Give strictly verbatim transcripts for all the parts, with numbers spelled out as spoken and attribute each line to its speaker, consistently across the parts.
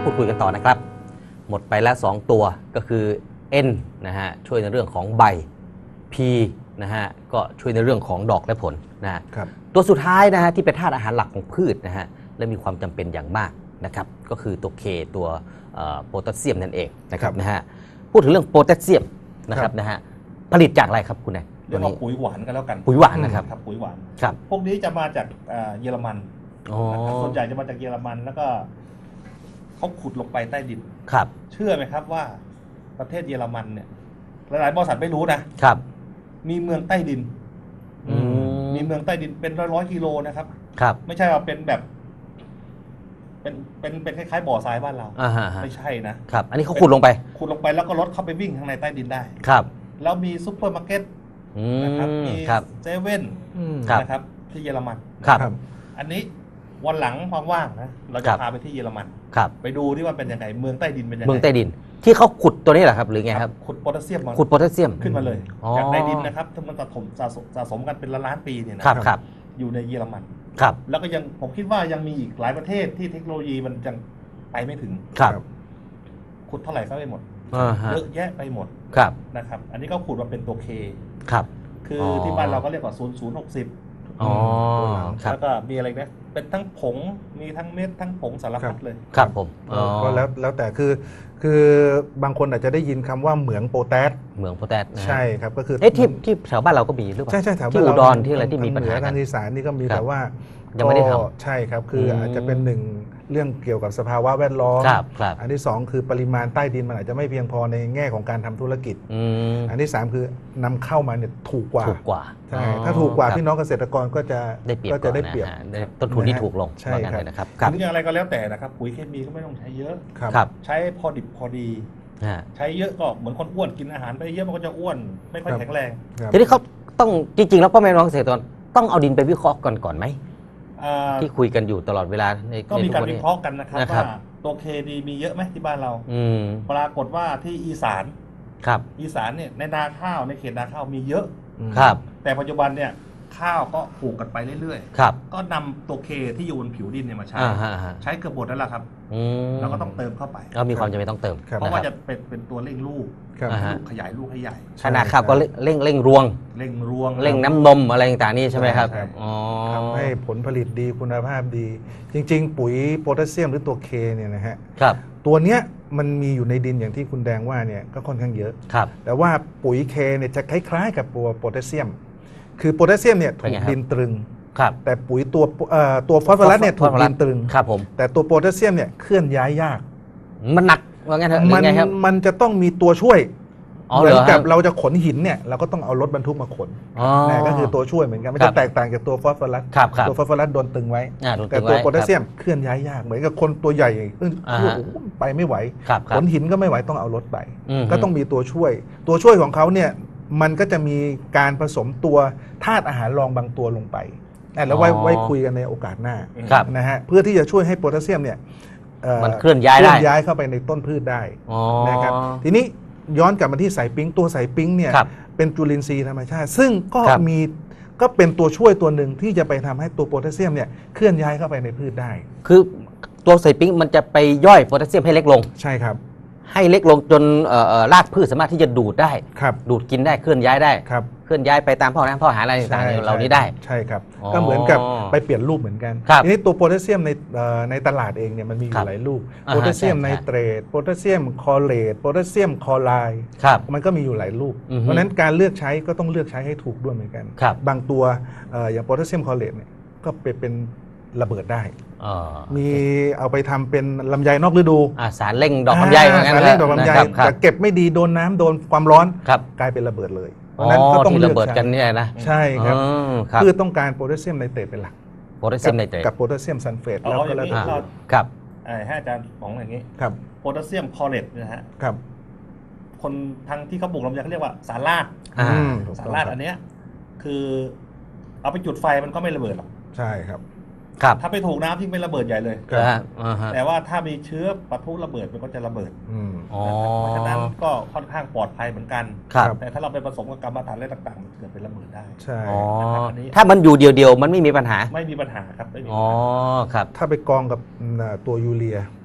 Speaker 1: พูดคุยกันต่อนะครับหมดไปแล้วสองตัวก็คือ N นะฮะช่วยในเรื่องของใบ P นะฮะก็ช่วยในเรื่องของดอกและผลนะฮะตัวสุดท้ายนะฮะที่เป็นธาตุอาหารหลักของพืชนะฮะและมีความจำเป็นอย่างมากนะครับก็คือตัว K ตัวโพแทสเซียมนั่นเองนะครับนะฮะพูดถึงเรื่องโพแทสเซียมนะครับนะฮะผลิตจากอะไรครับคุณนาย
Speaker 2: เรียกว่าปุ๋ยหวานกันแล้วกัน
Speaker 1: ปุ๋ยหวานนะครับ
Speaker 2: ครับปุ๋ยหวาน
Speaker 1: ครับ
Speaker 2: พวกนี้จะมาจากเยอรมันส่วนใหญ่จะมาจากเยอรมันแล้วก็เขาขุดลงไปใต้ดิน
Speaker 1: ครับ
Speaker 2: เชื่อไหมครับว่าประเทศเยอรมันเนี่ยหลายๆบริษัทไม่รู้นะครับมีเมืองใต้ดินมีเมืองใต้ดินเป็นร้อยร้อยกิโลนะครับ
Speaker 1: ครับ
Speaker 2: ไม่ใช่ว่าเป็นแบบเป็นเป็นเป็นคล้ายๆบ่อทรายบ้านเราไม่ใช่
Speaker 1: นะครับอันนี้เขาขุดลงไป
Speaker 2: ขุดลงไปแล้วก็รถเข้าไปวิ่งข้างในใต้ดินได้
Speaker 1: ครับ
Speaker 2: แล้วมีซุปเปอร์มาร์เก็ตนะครับมีเซเว่นนะครับที่เยอรมัน
Speaker 1: ครับ
Speaker 2: อันนี้วันหลังความว่างนะเราจะพาไปที่เยอรมันไปดูที่ว่าเป็นยังไงเมืองใต้ดินเป็นยังไง
Speaker 1: เมืองใต้ดินที่เขาขุดตัวนี้แหละครับหรือไงครับ
Speaker 2: ขุดโพแทสเซียมมา
Speaker 1: ขุดโพแทสเซียม
Speaker 2: ขึ้นมาเลยจากใต้ดินนะครับที่มันสะสมสะสมกันเป็นล้านปีเนี่ย
Speaker 1: นะครับ
Speaker 2: อยู่ในเยอรมัน
Speaker 1: ครับ
Speaker 2: แล้วก็ยังผมคิดว่ายังมีอีกหลายประเทศที่เทคโนโลยีมันยังไปไม่ถึง
Speaker 1: ครับ
Speaker 2: ขุดเท่าไหร่ก็ไม่หมดเยอะแยะไปหมดนะครับอันนี้ก็ขุดมาเป็นตัวเค
Speaker 1: ครับ
Speaker 2: คือที่บ้านเราก็เรียกว่าศูนย์ศูนย์หกสิบ
Speaker 1: อ๋อ
Speaker 2: แล้วก็มีอะไรนะเป็นทั้งผงมีทั้งเม็ดทั้งผงสารพัดเลย
Speaker 1: ครับผม
Speaker 3: ก็แล้วแล้วแต่คือคือบางคนอาจจะได้ยินคำว่าเหมืองโพแทส
Speaker 1: เหมืองโพแทส
Speaker 3: ใช่ครับก็คือ
Speaker 1: เอ๊ะที่ที่แถวบ้านเราก็มีหรือเปล่า
Speaker 3: ใช่ใช่แถว
Speaker 1: ที่อุดรที่อะไรที่มีปัญหา
Speaker 3: ทางอีสานนี่ก็มีแต่ว่า
Speaker 1: ยังไม่ได้ทำ
Speaker 3: ใช่ครับคืออาจจะเป็นหนึ่งเรื่องเกี่ยวกับสภาวะแวดล้อมอันที่สองคือปริมาณใต้ดินมันอาจจะไม่เพียงพอในแง่ของการทำธุรกิจอันที่สามคือนำเข้ามาเนี่ยถูกกว่า
Speaker 1: ถูกกว่า
Speaker 3: ใช่ถ้าถูกกว่าพี่น้องเกษตรกรก็จะ
Speaker 1: ก็
Speaker 3: จะได้เปรียบ
Speaker 1: ต้นทุนที่ถูกลง
Speaker 3: ใช่ครับ
Speaker 1: นะครับ
Speaker 2: หรืออะไรก็แล้วแต่นะครับปุ๋ยเคมีก็ไม่ต้องใช้เยอะใช้พอดิบพอดีใช้เยอะก็เหมือนคนอ้วนกินอาหารไปเยอะมันก็จะอ้วนไม่ค่อยแข็งแรง
Speaker 1: ทีนี้เขาต้องจริงๆแล้วพ่อแม่น้องเกษตรกรต้องเอาดินไปวิเคราะห์ก่อนก่อนไหมที่คุยกันอยู่ตลอดเวลา
Speaker 2: ก็มีการวิเคราะห์กันนะครับว่าตัวเคดีมีเยอะไหมที่บ้านเราปรากฏว่าที่อีสาน
Speaker 1: ครับ
Speaker 2: อีสานเนี่ยในนาข้าวในเขตนาข้าวมีเยอะ
Speaker 1: ครับ
Speaker 2: แต่ปัจจุบันเนี่ยข้าวก็ปลูกกันไปเรื่อย
Speaker 1: ๆครับ
Speaker 2: ก็นำตัวเคที่อยู่บนผิวดินเนี่ยมาใช้ใช้เกือบหมดแล้วล่ะครับแล้วก็ต้องเติมเข้าไป
Speaker 1: ก็มีความจำเป็นต้องเติม
Speaker 2: เพราะว่าจะเป็นเป็นตัวเร่งลูกขยายลูกให้ใหญ่
Speaker 1: ขนาดข้าวก็เร่งเร่งรวง
Speaker 2: เร่งรวง
Speaker 1: เร่งน้ำนมอะไรต่างๆนี่ใช่ไหมครับ
Speaker 3: ทำให้ผลผลิตดีคุณภาพดี จริงๆปุ๋ยโพแทสเซียมหรือตัวเคเนี่ยนะฮะ
Speaker 1: ครับ
Speaker 3: ตัวเนี้ยมันมีอยู่ในดินอย่างที่คุณแดงว่าเนี่ยก็ค่อนข้างเยอะ
Speaker 1: ครับ
Speaker 3: แต่ว่าปุ๋ยเคเนี่ยจะคล้ายๆกับตัวโพแทสเซียมคือโพแทสเซียมเนี่ยถูกดินตรึงแต่ปุ๋ยตัวตัวฟอสฟอรัสเนี่ยถูกดินตรึง
Speaker 1: ครับผม
Speaker 3: แต่ตัวโพแทสเซียมเนี่ยเคลื่อนย้ายยาก
Speaker 1: มันหนักว่างั้นเถอะ
Speaker 3: มันมันจะต้องมีตัวช่วยเหมือนกับเราจะขนหินเนี่ยเราก็ต้องเอารถบรรทุกมาขนนี่ก็คือตัวช่วยเหมือนกันมันจะแตกต่างจากตัวฟอสฟอรัสตัวฟอสฟอรัสโดนตึงไว้แต่ตัวโพแทสเซียมเคลื่อนย้ายยากเหมือนกับคนตัวใหญ่ไปไม่ไหวขนหินก็ไม่ไหวต้องเอารถไปก็ต้องมีตัวช่วยตัวช่วยของเขาเนี่ยมันก็จะมีการผสมตัวธาตุอาหารรองบางตัวลงไปแล้วไว้ไว้คุยกันในโอกาสหน้านะฮะเพื่อที่จะช่วยให้โพแทสเซียมเนี่ย
Speaker 1: มันเคลื่อนย้ายได้
Speaker 3: ย้ายเข้าไปในต้นพืชได้นะครับทีนี้ย้อนกลับมาที่สายปิ๊งตัวสายปิ๊งเนี่ยเป็นจุลินทรีย์ธรรมชาติซึ่งก็มีก็เป็นตัวช่วยตัวหนึ่งที่จะไปทำให้ตัวโพแทสเซียมเนี่ยเคลื่อนย้ายเข้าไปในพืชได้
Speaker 1: คือตัวสายปิ๊งมันจะไปย่อยโพแทสเซียมให้เล็กลง
Speaker 3: ใช่ครับ
Speaker 1: ให้เล็กลงจนรากพืชสามารถที่จะดูดได้ดูดกินได้เคลื่อนย้ายได้เคลื่อนย้ายไปตามท่อน้ำท่ออาหารอะไรต่างๆเหล่านี้ได้
Speaker 3: ใช่ครับก็เหมือนกับไปเปลี่ยนรูปเหมือนกันทีนี้ตัวโพแทสเซียมในในตลาดเองเนี่ยมันมีอยู่หลายรูปโพแทสเซียมไนเตรตโพแทสเซียมคลอเรตโพแทสเซียมคลอไรด์มันก็มีอยู่หลายรูปเพราะฉะนั้นการเลือกใช้ก็ต้องเลือกใช้ให้ถูกด้วยเหมือนกันบางตัวอย่างโพแทสเซียมคลอเรตเนี่ยก็เป็นระเบิดได้มีเอาไปทำเป็นลำไยนอกฤดู
Speaker 1: สารเร่งดอกลำไย
Speaker 3: สารเร่งดอกลำไยแต่เก็บไม่ดีโดนน้ำโดนความร้อนกลายเป็นระเบิดเลย
Speaker 1: เพราะนั้นก็ต้องเลือกใช้กันเนี่ยนะ
Speaker 3: ใช่ครับคือต้องการโพแทสเซียมไนเตรตเป็นหลัก
Speaker 1: โพแทสเซียมไนเตรต
Speaker 3: กับโพแทสเซียมซัลเฟต
Speaker 2: แล้วก็แล้วแต่
Speaker 1: ครับ
Speaker 2: ให้อาจารย์ของอย่างนี้
Speaker 3: ครับ
Speaker 2: โพแทสเซียมคลอเรตนะฮะ
Speaker 3: ครับ
Speaker 2: คนทางที่เขาปลูกลำไยเขาเรียกว่าสารลาดสารลาดอันเนี้ยคือเอาไปจุดไฟมันก็ไม่ระเบิดหรอก
Speaker 3: ใช่ครับ
Speaker 2: ถ้าไปถูกน้ำที่ไม่ระเบิดใหญ่เลยแต่ว่าถ้ามีเชื้อปะทุระเบิดมันก็จะระเบิดเพราะฉะนั้นก็ค่อนข้างปลอดภัยเหมือนกันแต่ถ้าเราไปผสมกับกรรมฐานอะไรต่างๆมันเกิดเป็นระเบิดได้
Speaker 3: ใช่
Speaker 1: ถ้ามันอยู่เดียวๆมันไม่มีปัญหา
Speaker 2: ไม่มีปัญหาครับไม่มี
Speaker 1: อ๋อครับ
Speaker 3: ถ้าไปกองกับตัวยูเรีย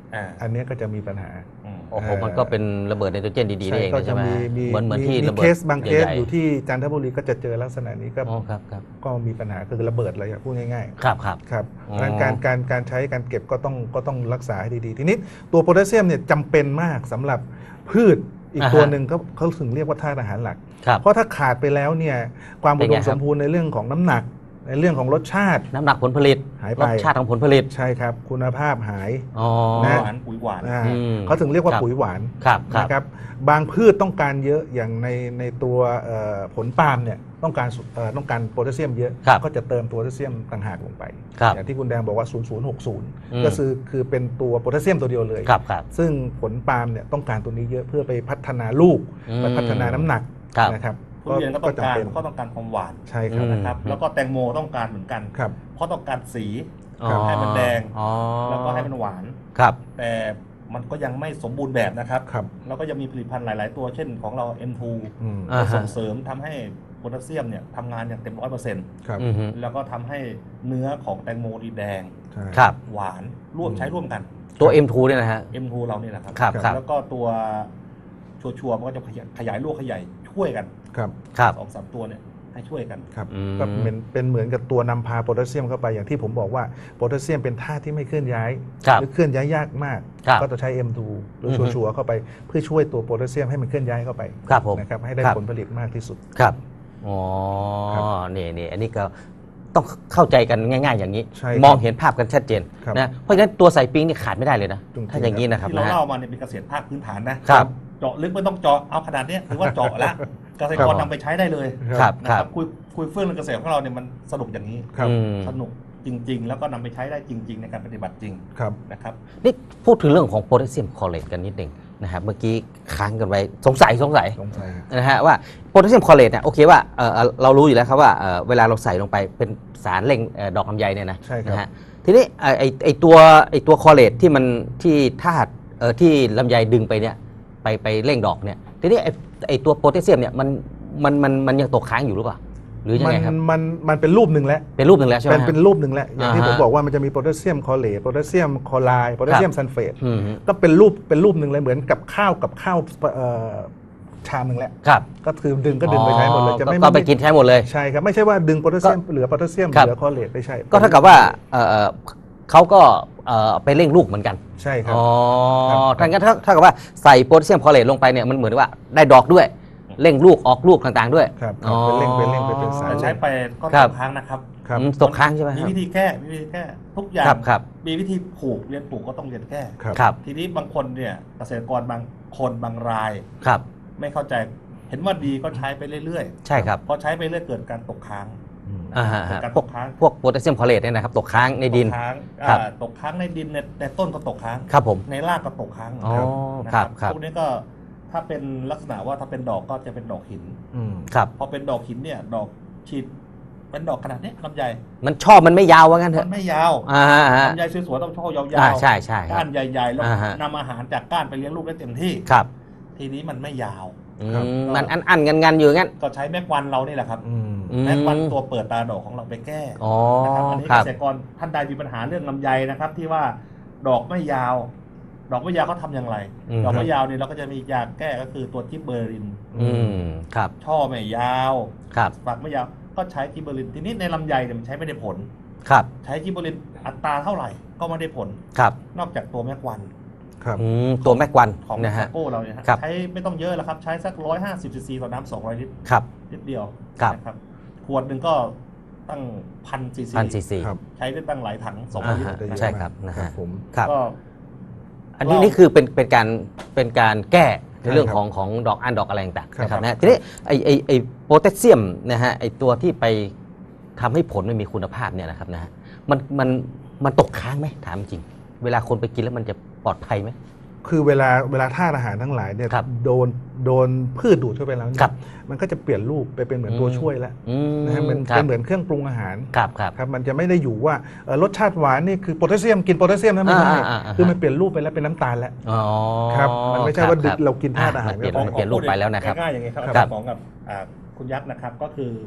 Speaker 3: อันนี้ก็จะมีปัญหา
Speaker 1: โอ้โหมันก็เป็นระเบิดไนโตรเจนดีๆเองใช่ไหมเหมือนเหมือนที่ระเบิด
Speaker 3: เคสบางเคสอยู่ที่จันทบุรีก็จะเจอลักษณะนี้ก็ก็มีปัญหาคือระเบิดอะไรพูดง่ายๆ
Speaker 1: ครับครับ
Speaker 3: ครับการการการใช้การเก็บก็ต้องก็ต้องรักษาให้ดีๆทีนี้ตัวโพแทสเซียมเนี่ยจำเป็นมากสำหรับพืชอีกตัวหนึ่งเขาเขาถึงเรียกว่าธาตุอาหารหลักเพราะถ้าขาดไปแล้วเนี่ยความอุดมสมบูรณ์ในเรื่องของน้ำหนักในเรื่องของรสชาติ
Speaker 1: น้ำหนักผลผลิต
Speaker 3: หายไป
Speaker 1: รสชาติของผลผลิต
Speaker 3: ใช่ครับคุณภาพหาย
Speaker 2: นะหวานปุ๋ยหวาน
Speaker 3: เขาถึงเรียกว่าปุ๋ยหวานนะครับบางพืชต้องการเยอะอย่างในในตัวผลปาล์มเนี่ยต้องการต้องการโพแทสเซียมเยอะก็จะเติมโพแทสเซียมต่างหากลงไปอย่างที่คุณแดงบอกว่าศูนย์ ศูนย์ หก ศูนย์ก็คือคือเป็นตัวโพแทสเซียมตัวเดียวเลยซึ่งผลปาล์มเนี่ยต้องการตัวนี้เยอะเพื่อไปพัฒนาลูกไปพัฒนาน้ำหนักนะครับ
Speaker 2: ทุเรียนก็ต้องการก็ต้องการความหวาน
Speaker 3: ใช่ครับ
Speaker 2: นะครับแล้วก็แตงโมต้องการเหมือนกันเพราะต้องการสีให้มันแดงแล้วก็ให้มันหวานแต่มันก็ยังไม่สมบูรณ์แบบนะครับแล้วก็ยังมีผลิตภัณฑ์หลายๆตัวเช่นของเรา เอ็ม ทู ส่งเสริมทำให้โพแทสเซียมเนี่ยทำงานอย่างเต็มร้อยเปอร์เซ็นต์แล้วก็ทำให้เนื้อของแตงโมดีแดงหวานร่วมใช้ร่วมกัน
Speaker 1: ตัว เอ็ม ทู เนี่ยนะฮะ
Speaker 2: เอ็ม ทู เราเนี่ยแหละครับแล้วก็ตัวชัวร์ๆมันก็จะขยายลูกขยายช่วยกัน
Speaker 3: ครับ
Speaker 2: สองสามตัวเนี่ยให้ช่วยกัน
Speaker 3: ครับก็เป็นเป็นเหมือนกับตัวนำพาโพแทสเซียมเข้าไปอย่างที่ผมบอกว่าโพแทสเซียมเป็นธาตุที่ไม่เคลื่อนย้ายหรือเคลื่อนย้ายยากมากก็จะใช้ เอ็ม ทู หรือชัวร์ๆเข้าไปเพื่อช่วยตัวโพแทสเซียมให้มันเคลื่อนย้ายเข้าไปนะครับให้ได้ผลผลิตมากที่สุด
Speaker 1: ครับอ๋อนี่นี่อันนี้ก็ต้องเข้าใจกันง่ายๆอย่างนี้มองเห็นภาพกันชัดเจนนะเพราะฉะนั้นตัวใส่ปิ้งนี่ขาดไม่ได้เลยนะถ้าอย่างนี้นะครับ
Speaker 2: ที่เราเล่ามาเนี่ยเป็นเกษตรภาคพื้นฐานนะครับเจาะลึกไม่ต้องเจาะเอาขนาดนี้ถือว่าเจาะแล้วเกษตรกรนำไปใช้ได้เลยนะครับคุยคุยเฟื่องเรื่องเกษตรของเราเนี่ยมันสนุกอย่างนี้สนุกจริงๆแล้วก็นำไปใช้ได้จริงๆในการปฏิบัติจริงนะครับ
Speaker 1: นี่พูดถึงเรื่องของโพแทสเซียมคลอเรตกันนิดหนึ่งนะครับเมื่อกี้ค้างกันไว้สงสัยสงสัยนะฮะว่าโพแทสเซียมคลอเรตเนี่ยโอเคว่าเรารู้อยู่แล้วครับว่าเวลาเราใส่ลงไปเป็นสารเร่งดอกลำไยเนี่ยนะนะฮะทีนี้ไอไอตัวไอตัวคลอเรตที่มันที่ธาตุที่ลำไยดึงไปเนี่ยไปไปเร่งดอกเนี่ยทีนี้ไอไอตัวโพแทสเซียมเนี่ยมันมันมันมันยังตกค้างอยู่หรือเปล่าหรือยังไงครับ
Speaker 3: มันมันเป็นรูปหนึ่งแล้ว
Speaker 1: เป็นรูปหนึ่งแล้วใช่ไหม
Speaker 3: เป็นเป็นรูปหนึ่งแล้วอย่างที่ผมบอกว่ามันจะมีโพแทสเซียมคลอเรตโพแทสเซียมคลอไรด์โพแทสเซียมซัลเฟตก็เป็นรูปเป็นรูปหนึ่งเลยเหมือนกับข้าวกับข้าวชามหนึ่งแหละก็คือดึงก็ดึงไปใช้หมดเลย
Speaker 1: จะไม่ก็ไปกินใช้หมดเลย
Speaker 3: ใช่ครับไม่ใช่ว่าดึงโพแทสเซียมเหลือโพแทสเซียมเหลือคลอเรตไม่ใช่
Speaker 1: ก็เท่ากับว่าเขาก็ไปเร่งลูกเหมือนกัน
Speaker 3: ใช่ครับ
Speaker 1: อ๋อทั้งนั้นเท่ากับว่าใส่โพแทสเซียมคลอเรตลงไปเนี่ยมันเหมือนว่าได้ดอกด้วยเร่งลูกออกลูกต่างๆด้วย
Speaker 3: ครับเป็นเร่งเป็นเร่งเป็นสาร
Speaker 2: ใช้ไปก็ตกค้างนะครับ
Speaker 1: ตกค้างใช่ไหม
Speaker 2: มีวิธีแก้มีวิธีแก้ทุกอย่างมีวิธีปลูกเรียนปลูกก็ต้องเรียนแก้ทีนี้บางคนเนี่ยเกษตรกรบางคนบางรายไม่เข้าใจเห็นว่าดีก็ใช้ไปเรื่อย
Speaker 1: ๆใช่ครับ
Speaker 2: พอใช้ไปเรื่อยเกิดการตกค้าง
Speaker 1: การตกค้างพวกโพแทสเซียมคลอเรตเนี่ยนะครับตกค้างในดิน
Speaker 2: ตกค้างในดินในต้นก็ตกค้าง
Speaker 1: ครับผม
Speaker 2: ในรากก็ตกค้าง
Speaker 1: ครับ
Speaker 2: พวกนี้ก็ถ้าเป็นลักษณะว่าถ้าเป็นดอกก็จะเป็นดอกหิน
Speaker 1: ครับ
Speaker 2: พอเป็นดอกหินเนี่ยดอกฉีดเป็นดอกขนาดนี้ลำไย
Speaker 1: มันชอบมันไม่ยาวว่างั้นเถอะ
Speaker 2: มันไม่ยาวลำไยสวยๆต้องชอบยาว
Speaker 1: ๆใช่ใช่
Speaker 2: ก้านใหญ่ๆแล้วนำอาหารจากก้านไปเลี้ยงลูกได้เต็มที่
Speaker 1: ครับ
Speaker 2: ทีนี้มันไม่ยาว
Speaker 1: มันอันๆงันๆอยู่งั้น
Speaker 2: ก็ใช้แม็กวันเรานี่แหละครับแม็กวันตัวเปิดตาดอกของเราไปแก้นะครับอันนี้เกษตรกรท่านใดมีปัญหาเรื่องลำไยนะครับที่ว่าดอกไม่ยาวดอกไม่ยาวเขาทำอย่างไรดอกไม่ยาวเนี่ยเราก็จะมียาแก้ก็คือตัวจิบเบอริน
Speaker 1: ครับ
Speaker 2: ช่อไม่ยาว
Speaker 1: ครับ
Speaker 2: ฝักไม่ยาวก็ใช้จิบเบอรินทีนี้ในลำไยเนี่ยมันใช้ไม่ได้ผล
Speaker 1: ครับ
Speaker 2: ใช้จิบเบอรินอัตราเท่าไหร่ก็ไม่ได้ผล
Speaker 1: ครับ
Speaker 2: นอกจากตัวแม็กวัน
Speaker 3: ครับ
Speaker 1: ตัวแม็กวัน
Speaker 2: ของนะฮะโก้เราเนี่ยใช้ไม่ต้องเยอะแล้วครับใช้สักร้อยห้าสิบซีซีต่อน้ำสองร้อยลิตร
Speaker 1: ครับ
Speaker 2: นิดเดียว
Speaker 1: ครับ
Speaker 2: ขวดหนึ่งก็ตั้งพันซีซี
Speaker 1: พันซีซี
Speaker 2: ใช้ได้ตั้งหลายถังสองร้อยลิตร
Speaker 1: ใช่ครับนะฮะ
Speaker 3: ผม
Speaker 1: ครับอันนี้นี่คือเป็นเป็นการเป็นการแก้ในเรื่องของของดอกอันดอกอะไรต่างๆนะครับนะทีนี้ไอไอไอโพแทสเซียมนะฮะไอตัวที่ไปทำให้ผลไม่มีคุณภาพเนี่ยนะครับนะฮะมันมันมันตกค้างไหมถามจริงเวลาคนไปกินแล้วมันจะปลอดภัยไหม
Speaker 3: คือเวลาเวลาธาตุอาหารทั้งหลายเนี่ยโดนโดนพืชดูดเข้าไปแล้วเนี่ยมันก็จะเปลี่ยนรูปไปเป็นเหมือนตัวช่วยแล้วนะฮะมันเป็นเหมือนเครื่องปรุงอาหาร
Speaker 1: ครับครับ
Speaker 3: ครับมันจะไม่ได้อยู่ว่ารสชาติหวานนี่คือโพแทสเซียมกินโพแทสเซียมนะไม่ใช่คือมันเปลี่ยนรูปไปแล้วเป็นน้ำตาลแล้วครับมันไม่ใช่ว่าเรากินธาตุอาหาร
Speaker 1: เปลี่ยนเปลี่ยนรูปไปแล้วนะครับ
Speaker 2: ง่ายๆอย่างนี้ครับของกับคุณยักษ์นะครับก็คือ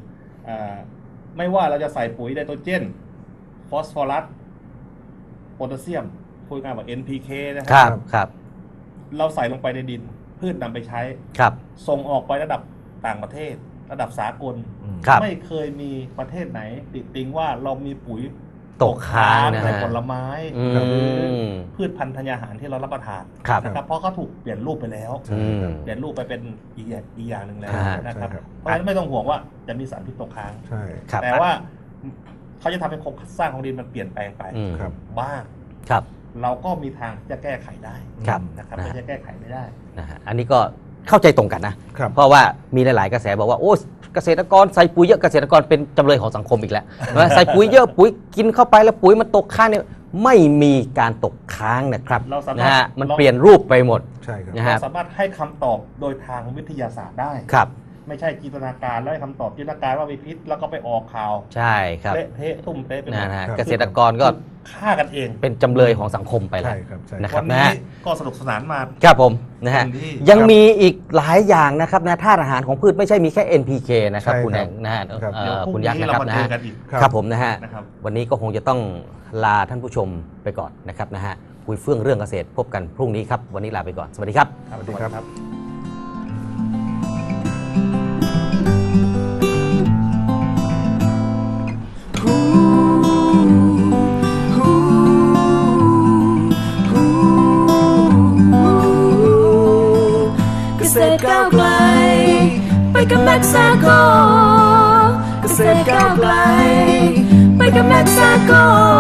Speaker 2: ไม่ว่าเราจะใส่ปุ๋ยไนโตรเจนฟอสฟอรัสโพแทสเซียมฟพูดง่ายๆว่า เอ็น พี เค นะค
Speaker 1: ครั
Speaker 2: รับ
Speaker 1: ครับ
Speaker 2: เราใส่ลงไปในดินพืชนำไปใช้
Speaker 1: ครับ
Speaker 2: ส่งออกไประดับต่างประเทศ ระดับสากล
Speaker 1: ครับ
Speaker 2: ไม่เคยมีประเทศไหนติดติงว่าเรามีปุ๋ย
Speaker 1: ตกค้างนะฮะ
Speaker 2: ในผลไม้
Speaker 1: อืม
Speaker 2: หรือพืชพันธุ์ธัญญาหารที่เรารับประทาน
Speaker 1: ครับ
Speaker 2: นะครับเพราะเขาถูกเปลี่ยนรูปไปแล้ว
Speaker 1: อืม
Speaker 2: เปลี่ยนรูปไปเป็นอีกอย่างอีกอย่างหนึ่งแล้ว
Speaker 1: อ่า
Speaker 2: นะครับ
Speaker 3: ใช่ครับ
Speaker 2: เพราะฉะนั้นไม่ต้องห่วงว่าจะมีสารพิษตกค้าง
Speaker 3: ใช่
Speaker 1: ครับ
Speaker 2: แต่ว่าเขาจะทำให้โครงสร้างของดินมันเปลี่ยนแปลงไป
Speaker 1: อืม
Speaker 3: ครับ
Speaker 2: บ้าง
Speaker 1: ครับ
Speaker 2: เราก็มีทางที่จะแก้ไขได้
Speaker 1: ครับ
Speaker 2: นะครับ
Speaker 1: นะ
Speaker 2: ไม่
Speaker 1: ฮะ
Speaker 2: ใช่แก้ไขไม่ได้
Speaker 1: นะฮะอันนี้ก็เข้าใจตรงกันนะ
Speaker 3: ครับ
Speaker 1: เพราะว่ามีหลาย ๆ กระแสบอกว่าโอ้เกษตรกรใส่ปุ๋ยเยอะเกษตรกรเป็นจำเลยของสังคมอีกแล้ว นะใส่ปุ๋ยเยอะปุ๋ยกินเข้าไปแล้วปุ๋ยมันตกค้างเนี่ยไม่มีการตกค้างนะครับ
Speaker 2: เราสามารถ
Speaker 1: นะฮะมันเปลี่ยนรูปไปหมด
Speaker 3: ใช่ครับ
Speaker 1: นะฮะ
Speaker 2: เราสามารถให้คำตอบโดยทางวิทยาศาสตร์ได้
Speaker 1: ครับ
Speaker 2: ไม่ใช่จินตนาการแล้วให้คำตอบจินตนาการว่ามีพิษแล้วก็ไปออกข่าว
Speaker 1: ใช่ครับ
Speaker 2: เละเทะทุ่มเทะไปหม
Speaker 1: นะ
Speaker 2: ด
Speaker 1: ฮะ
Speaker 3: ครับ
Speaker 1: เกษตรกรก็
Speaker 2: ฆ่ากันเอง
Speaker 1: เป็นจำเลยของสังคมไปแล้ว
Speaker 3: ใช่ครับใช่
Speaker 1: นะครั
Speaker 2: วั
Speaker 1: บ
Speaker 2: นนี้
Speaker 1: นะฮะ
Speaker 2: ก็สนุกสนานมา
Speaker 1: ครับผมนะฮะ
Speaker 2: เต็มที่
Speaker 1: ยังมีอีกหลายอย่างนะครับนะธาตุอาหารของพืชไม่ใช่มีแค่ เอ็น พี เค นะครับ
Speaker 3: ใช่
Speaker 1: คุณ
Speaker 3: ค
Speaker 1: แห
Speaker 3: รับ
Speaker 1: งนะฮะ
Speaker 3: ครับ
Speaker 1: เอ่
Speaker 2: เดี๋ยว
Speaker 1: อ
Speaker 2: พรุ่ง
Speaker 1: คุณยักษ์
Speaker 2: นี้
Speaker 1: นะ
Speaker 2: เรา
Speaker 1: ครับ
Speaker 2: มา
Speaker 1: นะ
Speaker 2: เจอ
Speaker 1: ฮะ
Speaker 2: กันอีก
Speaker 3: ครับ
Speaker 1: ครับผมนะฮะ
Speaker 2: นะครับ
Speaker 1: วันนี้ก็คงจะต้องลาท่านผู้ชมไปก่อนนะครับนะฮะคุยเฟื่องเรื่องเกษตรพบกันพรุ่งนี้ครับวันนี้ลาไปก่อนสวัสดีครับ
Speaker 2: ครับ
Speaker 3: สวัสดีครับ
Speaker 4: เกษตรก้าวไกลไปกับแม็กซาโกเกษตรก้าวไกลไปกับแม็กซาโก